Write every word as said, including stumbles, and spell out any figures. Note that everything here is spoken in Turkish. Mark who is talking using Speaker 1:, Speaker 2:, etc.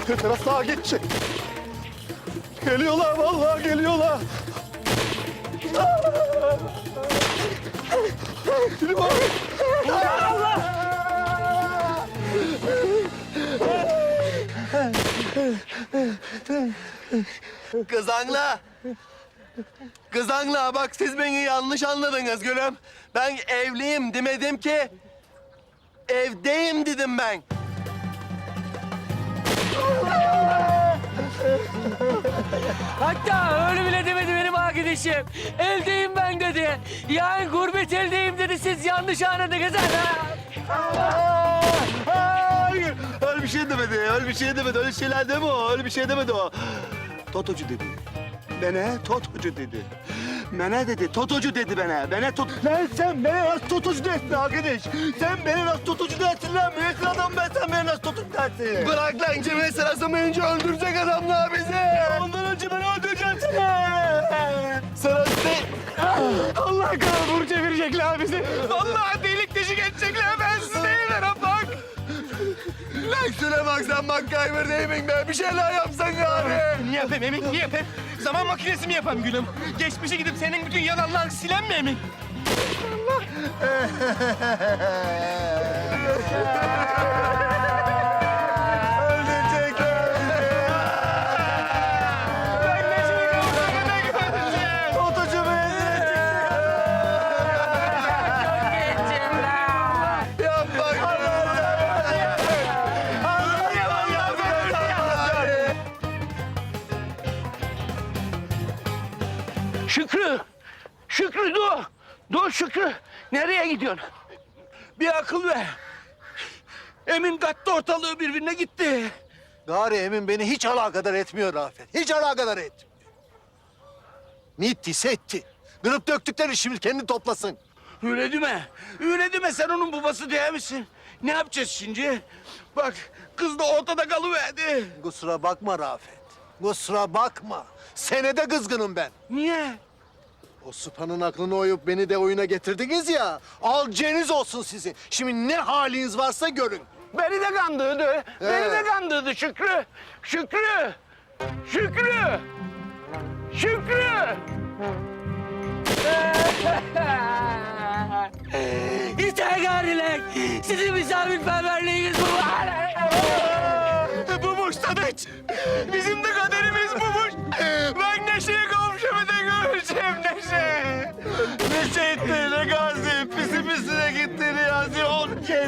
Speaker 1: Biraz sağa geçecek. Geliyorlar vallahi geliyorlar. Gülüm abi.
Speaker 2: Kızanla. Kızanla bak siz beni yanlış anladınız gülüm. Ben evliyim demedim ki. Evdeyim dedim ben.
Speaker 3: Hatta öyle bile demedi benim arkadaşım. Eldeyim ben dedi. Yani gurbet eldeyim dedi. Siz yanlış anladınız.
Speaker 2: Hayır. Öyle bir şey demedi. Öyle bir şey demedi. Öyle şeyler deme o. Öyle bir şey demedi o. Totocu dedi. Bana totocu dedi. Bana dedi, totocu dedi bana. Bana tot... Lan sen bana nasıl totocu dersin arkadaş? Sen bana nasıl totocu dersin lan? Müessir adam ben, sen bana nasıl totocu dersin? Bırak lan, cemiyet sırası önce öldürecek adamlar bizi. Ondan önce ben öldüreceğim seni. Sırası değil. Allah kahvur çevirecekler bizi. Vallahi delik deşik edecekler. Ben sizi değilim bak. Lan şuna bak, sen bak kayber değilim ben. Bir şeyler yapsan gari.
Speaker 4: Ne yapayım Emin, ne yapayım? Zaman makinesi mi yapayım gülüm? Geçmişe gidip senin bütün yalanlarını silen mi Emin?
Speaker 2: Öldürecekler bizi. Ben ne şey yapacağım, ne göreceğim? Totocu beni Yapma.
Speaker 3: Şükrü! Şükrü dur! Dur Şükrü! Nereye gidiyorsun? Bir akıl ver. Emin kattı ortalığı birbirine gitti.
Speaker 1: Gari Emin beni hiç alakadar etmiyor Rafet. Hiç alakadar etmiyor. Ne ettiyse etti. Kırıp döktükleri şimdi kendi toplasın.
Speaker 3: Öyle deme. Öyle deme, sen onun babası değil misin? Ne yapacağız şimdi? Bak kız da ortada kalıverdi.
Speaker 1: Kusura bakma Rafet. Kusura bakma. Senede kızgınım ben.
Speaker 3: Niye?
Speaker 1: O Supa'nın aklını oyup beni de oyuna getirdiniz ya. Alacağınız olsun sizin. Şimdi ne haliniz varsa görün.
Speaker 3: Beni de kandırdı. Beni de kandırdı Şükrü. Şükrü! Şükrü! Şükrü! Yeter gariler. Sizin misafirperverliğiniz bu.
Speaker 4: Bumuş Sadıç. Bizim de kaderimiz bumuş. Ben Neşe'ye kavuşamadığını göreceğim Neşe.
Speaker 2: Neşe etti, ne gazi. Pisi pisine gitti.